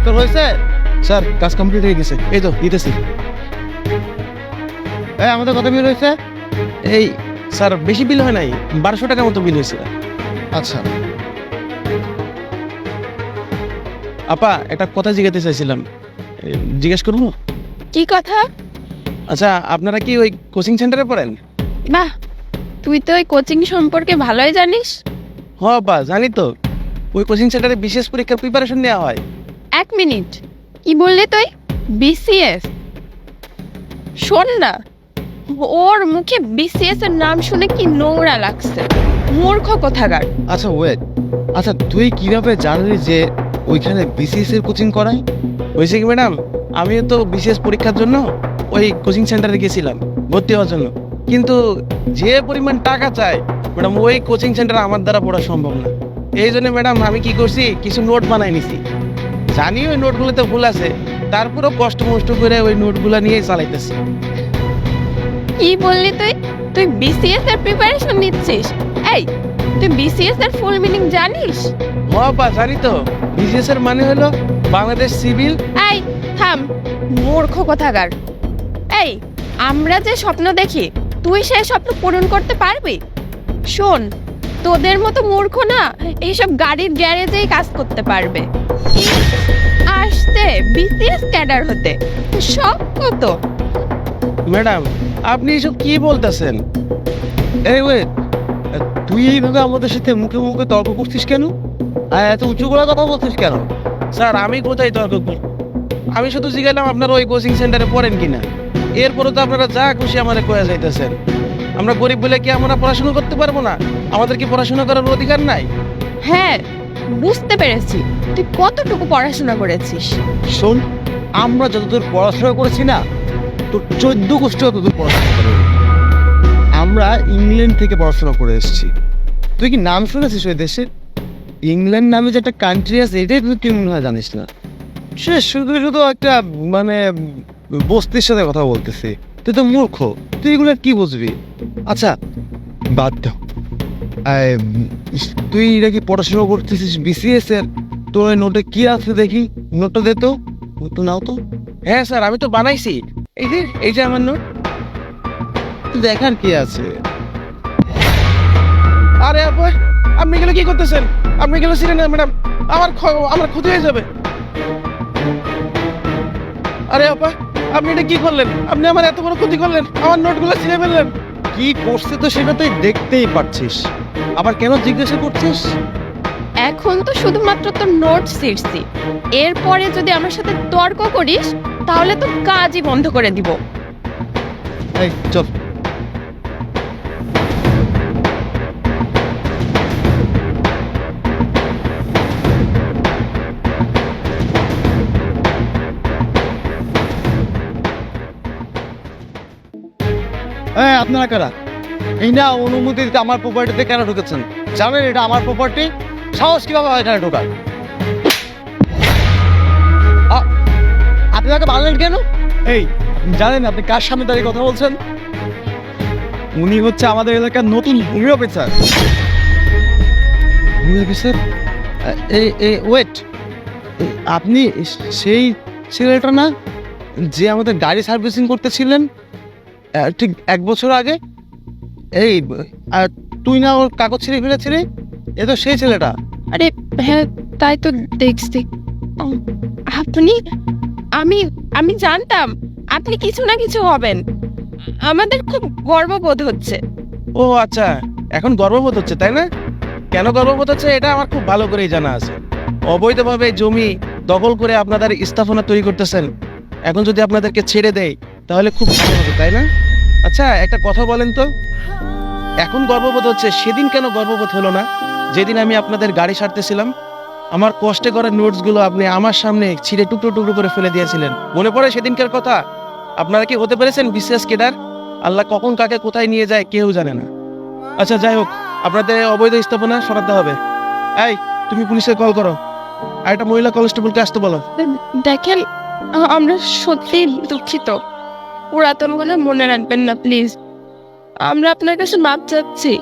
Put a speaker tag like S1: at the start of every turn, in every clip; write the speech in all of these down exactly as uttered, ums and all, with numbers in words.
S1: তোর হয়েছে? স্যার কাজ কমপ্লিট হয়ে গেছে, এই তো দিতেছি। এই আমাদের কত বিল হয়েছে? এই স্যার বেশি বিল হয় নাই, বারোশো টাকার মতো বিল হয়েছে। আচ্ছা আপা, একটা কথা জিজ্ঞাসা চাইছিলাম, এ, জিজ্ঞেস করবো?
S2: কি কথা?
S1: আচ্ছা, আপনারা কি ওই কোচিং সেন্টারে পড়েন?
S2: বাহ, তুই তো ওই কোচিং সম্পর্কে ভালোই জানিস।
S1: হ আপা, জানি তো। ওই কোচিং সেন্টারে বিশেষ পরীক্ষার প্রিপারেশন নেওয়া হয়।
S2: এক মিনিট, কি বললি তুই? বিসিএস? শোন না, ওর মুখে বিসিএস এর নাম শুনে কি নোংরা লাগছে। মূর্খ কোথাকার।
S1: আচ্ছা ওয়েট, আচ্ছা তুই কিভাবে জানলি যে ওইখানে বিসিএস এর কোচিং করায়? হয়েছে কি ম্যাডাম, আমিও তো বিসিএস পরীক্ষার জন্য ওই কোচিং সেন্টারে গেছিলাম ভর্তি হওয়ার জন্য, কিন্তু যে পরিমাণ টাকা চায় ম্যাডাম, ওই কোচিং সেন্টারে আমার দ্বারা পড়া সম্ভব না। এই জন্য ম্যাডাম আমি কি করছি, কিছু নোট বানাই নিছি। জানি ওই নোটগুলোতে ভুল আছে, তারপরেও কষ্ট মষ্ট করে ওই নোটগুলো নিয়ে চালাইতেছি।
S2: কি বললি তুই? তুই বিসিএস এর প্রিপারেশন নিচ্ছিস? এই, তুই বিসিএস এর ফুল মিনিং জানিস?
S1: মহাপা জানি তো, বিসিএস এর মানে হলো বাংলাদেশ সিভিল।
S2: এই থাম, মূর্খ কোথাকার। এই, আমরা যে স্বপ্ন দেখি তুই সেই স্বপ্ন পূরণ করতে পারবি? শোন, তোদের মতো মূর্খ না এইসব গাড়ির গ্যারেজেই কাজ করতে পারবে। আসতে বিসিএস ক্যাডার হতে সব কত।
S1: ম্যাডাম আপনি এসব কি বলতেছেন? এই ওয়েট, তুই এইভাবে আমাদের সাথে মুখে মুখে তর্ক করছিস কেন? আর এত উঁচু করে কথা বলছিস কেন? স্যার আমি কোথায় তর্ক করি? আমি শুধু জিজ্ঞাসলাম আপনারা ওই কোচিং সেন্টারে পড়েন কিনা। এরপরে তো আপনারা যা খুশি আমারে কয়ে যাইতেছেন। আমরা গরিব বলে কি আমরা পড়াশোনা করতে পারবো না? আমাদের কি পড়াশোনা করার অধিকার নাই?
S2: হ্যাঁ, বুঝতে পেরেছি তুই কতটুকু পড়াশোনা করেছিস।
S3: শোন, আমরা যতদূর পড়াশোনা করেছি না, তোর চোদ্দ গোষ্ঠী ততদূর পড়াশোনা করে। আমরা ইংল্যান্ড থেকে পড়াশোনা করে এসেছি। তুই কি নাম শুনেছিস ওই দেশের? ইংল্যান্ড নামে যে একটা কান্ট্রি আছে, এটাই তুই মনে হয় জানিস না। সে শুধু শুধু একটা মানে বস্তির সাথে কথা বলতেছি। তুই তো মূর্খ, তুই এগুলো কি বুঝবি? আচ্ছা বাদ দাও। আই, তুই নাকি পড়াশোনা করতেছিস বিসিএস এর, তোর ওই নোটে কি আছে দেখি, নোটটা দে তো, নোটটা নাও তো।
S1: হ্যাঁ স্যার, আমি তো বানাইছি। এই যে এই যে আমার নোট।
S3: দেখার কি আছে?
S1: আরে আপা, আপনি এগুলো কি করতেছেন? আপনি এগুলো ছিলেন না ম্যাডাম, আমার খ- আমার ক্ষতি হয়ে যাবে। আরে আপা, আপনি এটা কি করলেন? আপনি আমার এত বড় ক্ষতি করলেন, আমার নোটগুলো ছিঁড়ে ফেললেন।
S3: কি করছে তো সেটা তুই দেখতেই পাচ্ছিস, আবার কেন জিজ্ঞাসা করছিস?
S2: এখন তো শুধুমাত্র তোর নোট ছিঁড়ছি, এরপরে যদি আমার সাথে তর্ক করিস তাহলে তো কাজই বন্ধ করে দিব।
S3: এই চল। এই আপনারা কারা? এই না অনুমতি দিতে আমার প্রপার্টিতে কেন ঢুকেছেন? জানেন এটা আমার প্রপার্টি? সাহস কিভাবে হয় এখানে ঢোকার? আ- আপনি তাকে মারলেন কেন? এই আপনি জানেন আপনি কার সামনে দাঁড়িয়ে কথা বলছেন? উনি হচ্ছে আমাদের এলাকার নতুন ভূমি অফিসার। ভূমি অফিসার? এই এই ওয়েট, আপনি সেই ছেলেটা না যে আমাদের গাড়ি সার্ভিসিং করতেছিলেন আহ, ঠিক এক বছর আগে? এই আর তুই না ওর কাগজ ছিঁড়ে ফেলেছিলি? এ তো সেই ছেলেটা।
S2: আরে হ্যাঁ, তাই তো দেখছি। উম, আপনি, আমি আমি জানতাম আপনি কিছু না কিছু হবেন। আমাদের খুব গর্ববোধ হচ্ছে।
S1: ও আচ্ছা, এখন গর্ববোধ হচ্ছে তাই না? কেন গর্ববোধ হচ্ছে এটা আমার খুব ভালো করেই জানা আছে। অবৈধভাবে জমি দখল করে আপনাদের স্থাপনা তৈরি করতেছেন, এখন যদি আপনাদেরকে ছেড়ে দেয় তাহলে খুব ভালো হবে তাই না? আচ্ছা একটা কথা বলেন তো, এখন গর্ববোধ হচ্ছে, সেদিন কেন গর্ববোধ হলো না? যেদিন আমি আপনাদের গাড়ি সারতেছিলাম, আমার কষ্টে করা নোটসগুলো আপনি আমার সামনে ছিঁড়ে টুকরো টুকরো করে ফেলে দিয়েছিলেন, মনে পড়ে সেদিনকার কথা? আপনারা কি হতে পেরেছেন বিশেষ কেডার? আল্লাহ কখন কাকে কোথায় নিয়ে যায় কেউ জানে না। আচ্ছা যাই হোক, আপনাদের অবৈধ স্থাপনা সরাতে হবে। এই তুমি পুলিশে কল করো, আর একটা মহিলা কনস্টেবলকে আসতে বলো।
S2: দেখেন, আ- আমরা সত্যি দুঃখিত। পুরাতন কথা মনে রাখবেন না প্লিজ। আমরা আপনার কাছে মাপ চাচ্ছি,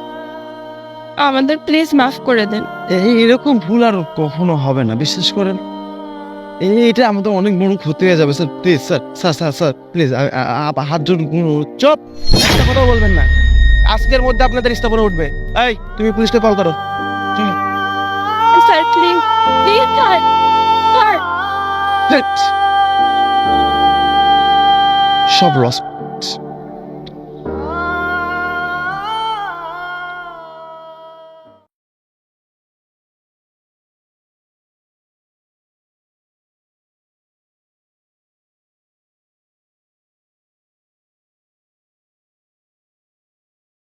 S2: আমাদের প্লিজ মাফ করে দেন।
S3: এই এরকম ভুল আর কখনো হবে না, বিশ্বাস করেন। এই- এটা আমাদের অনেক বড় ক্ষতি হয়ে যাবে sir please sir sir sir sir please হাত জোর
S1: চুপ, একটা কথা বলবেন না। আজকের মধ্যে আপনাদের স্থাপনা উঠবে। এই তুমি পুলিশকে কল করো।
S2: Sir please please sir sir
S3: সব লস